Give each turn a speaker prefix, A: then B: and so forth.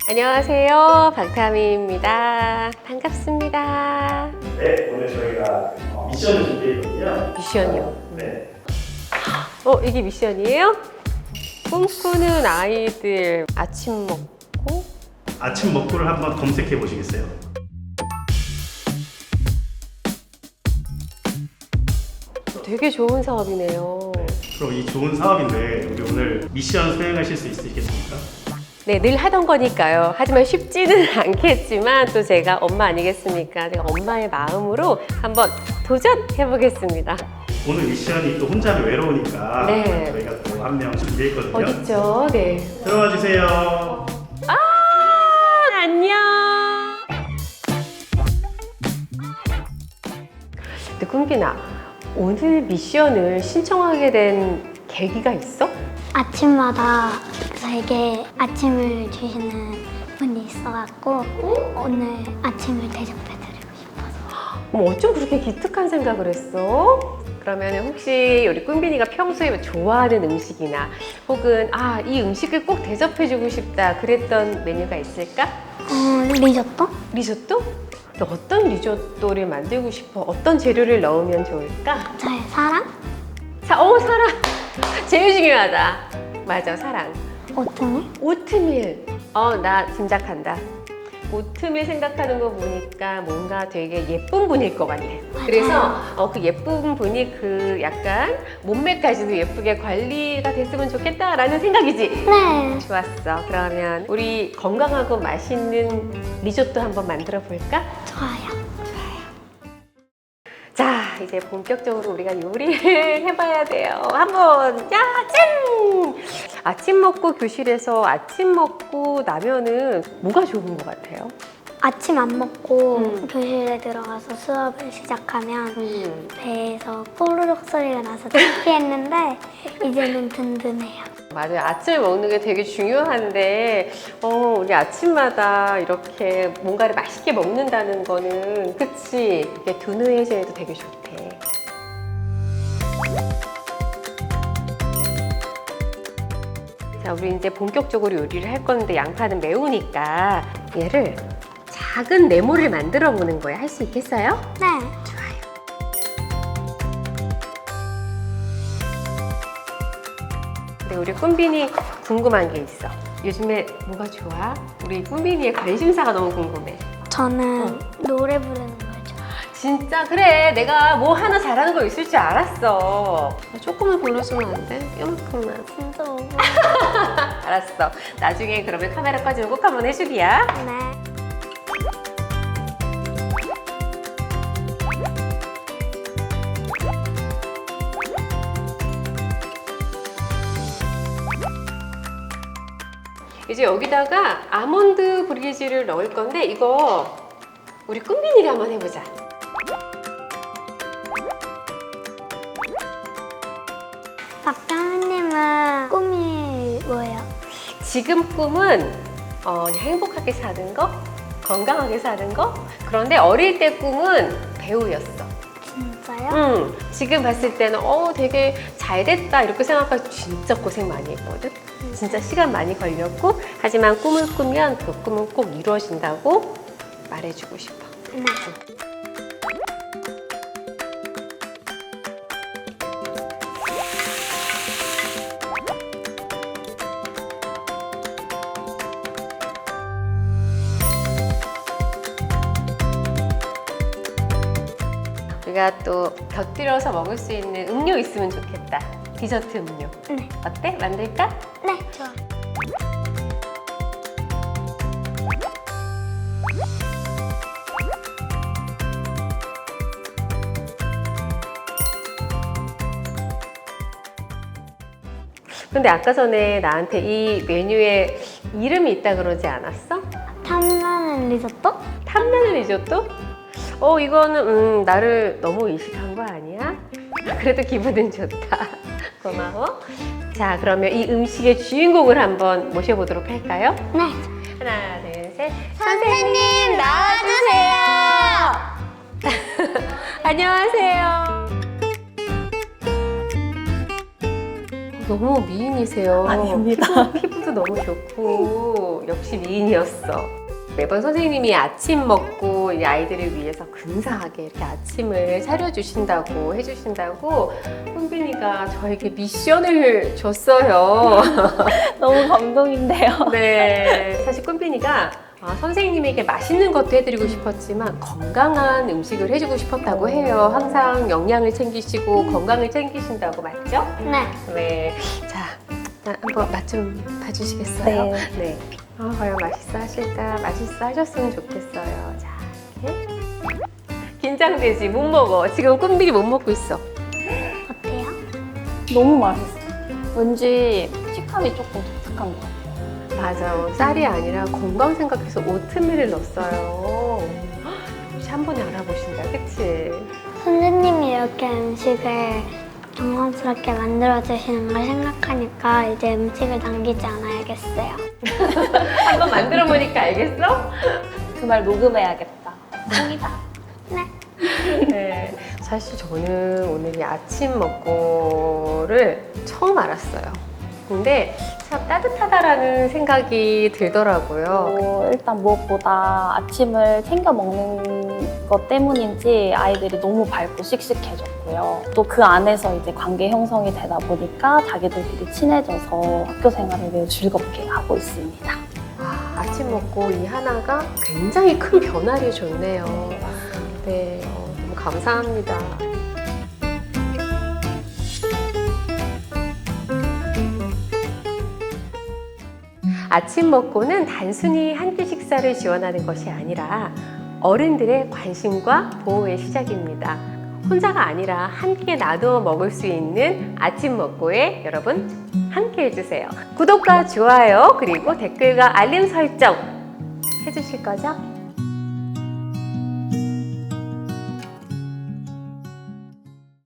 A: 안녕하세요. 박타미입니다. 반갑습니다.
B: 네, 오늘 저희가 미션을 준비했거든요.
A: 미션이요?
B: 네.
A: 이게 미션이에요? 꿈꾸는 아이들 아침 먹고
B: 아침 먹고를 한번 검색해 보시겠어요?
A: 되게 좋은 사업이네요.
B: 그럼 이 좋은 사업인데 우리 오늘 미션 수행하실 수 있으시겠습니까?
A: 네, 늘 하던 거니까요. 하지만 쉽지는 않겠지만 또 제가 엄마 아니겠습니까? 제가 엄마의 마음으로 한번 도전해 보겠습니다.
B: 오늘 미션이 또 혼자는 외로우니까
A: 네.
B: 저희가 또 한 명 준비했거든요.
A: 어딨죠? 네.
B: 들어와 주세요.
A: 안녕. 근데 꿈빈아, 오늘 미션을 신청하게 된 계기가 있어?
C: 아침마다 저에게 아침을 주시는 분이 있어갖고 오늘 아침을 대접해드리고 싶어서.
A: 어쩜 그렇게 기특한 생각을 했어? 그러면 혹시 우리 꿈빈이가 평소에 좋아하는 음식이나 혹은 이 음식을 꼭 대접해주고 싶다 그랬던 메뉴가 있을까?
C: 리조또?
A: 리조또? 너 어떤 리조또를 만들고 싶어? 어떤 재료를 넣으면 좋을까?
C: 저의 사랑?
A: 사랑! 제일 중요하다. 맞아, 사랑.
C: 오트밀?
A: 오트밀. 나 짐작한다. 오트밀 생각하는 거 보니까 뭔가 되게 예쁜 분일 것 같네.
C: 맞아요.
A: 그래서 그 예쁜 분이 그 약간 몸매까지도 예쁘게 관리가 됐으면 좋겠다라는 생각이지?
C: 네.
A: 좋았어. 그러면 우리 건강하고 맛있는 리조또 한번 만들어 볼까?
C: 좋아요.
A: 자, 이제 본격적으로 우리가 요리를 해봐야 돼요. 한번 짠! 아침 먹고 교실에서 아침 먹고 나면은 뭐가 좋은 것 같아요?
C: 아침 안 먹고 교실에 들어가서 수업을 시작하면 배에서 꼬르륵 소리가 나서 창피했는데 이제는 든든해요.
A: 맞아요. 아침을 먹는 게 되게 중요한데 우리 아침마다 이렇게 뭔가를 맛있게 먹는다는 거는 그치? 이게 두뇌에도 되게 좋대. 자, 우리 이제 본격적으로 요리를 할 건데 양파는 매우니까 얘를 작은 네모를 만들어 보는 거예요. 할 수 있겠어요?
C: 네.
A: 좋아요. 근데 우리 꿈빈이 궁금한 게 있어. 요즘에 뭐가 좋아? 우리 꿈빈이의 관심사가 너무 궁금해.
C: 저는 노래 부르는 걸 좋아해요.
A: 진짜? 그래. 내가 뭐 하나 잘하는 거 있을 줄 알았어. 조금만 불러주면 안 돼? 이만큼만.
C: 진짜 너무.
A: 알았어. 나중에 그러면 카메라 꺼지면 꼭 한번 해주기야.
C: 네.
A: 이제 여기다가 아몬드 브리즈를 넣을 건데 이거 우리 꿈빈이가 한번 해보자.
C: 박다미님은 꿈이 뭐예요?
A: 지금 꿈은 그냥 행복하게 사는 거, 건강하게 사는 거. 그런데 어릴 때 꿈은 배우였어.
C: 진짜요?
A: 지금 봤을 때는 되게 잘 됐다 이렇게 생각하고 진짜 고생 많이 했거든. 진짜 시간 많이 걸렸고 하지만 꿈을 꾸면 그 꿈은 꼭 이루어진다고 말해주고 싶어.
C: 네.
A: 우리가 또 곁들여서 먹을 수 있는 음료 있으면 좋겠다. 디저트 음료.
C: 네.
A: 어때? 만들까?
C: 네, 좋아.
A: 근데 아까 전에 나한테 이 메뉴에 이름이 있다 그러지 않았어?
C: 탐나는 리조또?
A: 탐나는 리조또? 이거는 나를 너무 의식한 거 아니야? 그래도 기분은 좋다. 고마워. 자, 그러면 이 음식의 주인공을 한번 모셔보도록 할까요?
C: 네.
A: 하나, 둘, 셋.
C: 선생님,
A: 나와주세요. 안녕하세요. 너무 미인이세요.
D: 아닙니다.
A: 피부도 너무 좋고 역시 미인이었어. 매번 선생님이 아침 먹고 이 아이들을 위해서 근사하게 이렇게 아침을 차려주신다고 해주신다고 꿈빈이가 저에게 미션을 줬어요.
D: 너무 감동인데요.
A: 네, 사실 꿈빈이가 선생님에게 맛있는 것도 해드리고 싶었지만 건강한 음식을 해주고 싶었다고 해요. 항상 영양을 챙기시고 건강을 챙기신다고 맞죠?
C: 네.
A: 네. 자, 한번 맛 좀 봐주시겠어요?
D: 네.
A: 네. 과연 맛있어 하실까? 맛있어 하셨으면 좋겠어요. 자, 이렇게. 긴장되지? 못 먹어. 지금 꿈빈이 못 먹고 있어.
C: 어때요?
D: 너무 맛있어요. 왠지 식감이 조금 독특한 것 같아요.
A: 맞아. 쌀이 아니라 건강 생각해서 오트밀을 넣었어요. 혹시 한 번에 알아보신다, 그치?
C: 선생님이 이렇게 음식을 정성스럽게 만들어주시는 걸 생각하니까 이제 음식을 남기지 않아야겠어요.
A: 한번 만들어 보니까 알겠어?
D: 그 말 녹음해야겠다. 콩이다.
C: 네.
A: 네. 사실 저는 오늘 이 아침 먹고를 처음 알았어요. 근데 참 따뜻하다라는 생각이 들더라고요.
D: 일단 무엇보다 아침을 챙겨 먹는 것 때문인지 아이들이 너무 밝고 씩씩해졌고요. 또 그 안에서 이제 관계 형성이 되다 보니까 자기들끼리 친해져서 학교 생활을 매우 즐겁게 하고 있습니다.
A: 아침 먹고 이 하나가 굉장히 큰 변화를 줬네요. 네, 너무 감사합니다. 아침 먹고는 단순히 한 끼 식사를 지원하는 것이 아니라 어른들의 관심과 보호의 시작입니다. 혼자가 아니라 함께 나누어 먹을 수 있는 아침 먹고에 여러분 함께 해주세요. 구독과 좋아요 그리고 댓글과 알림 설정 해주실 거죠?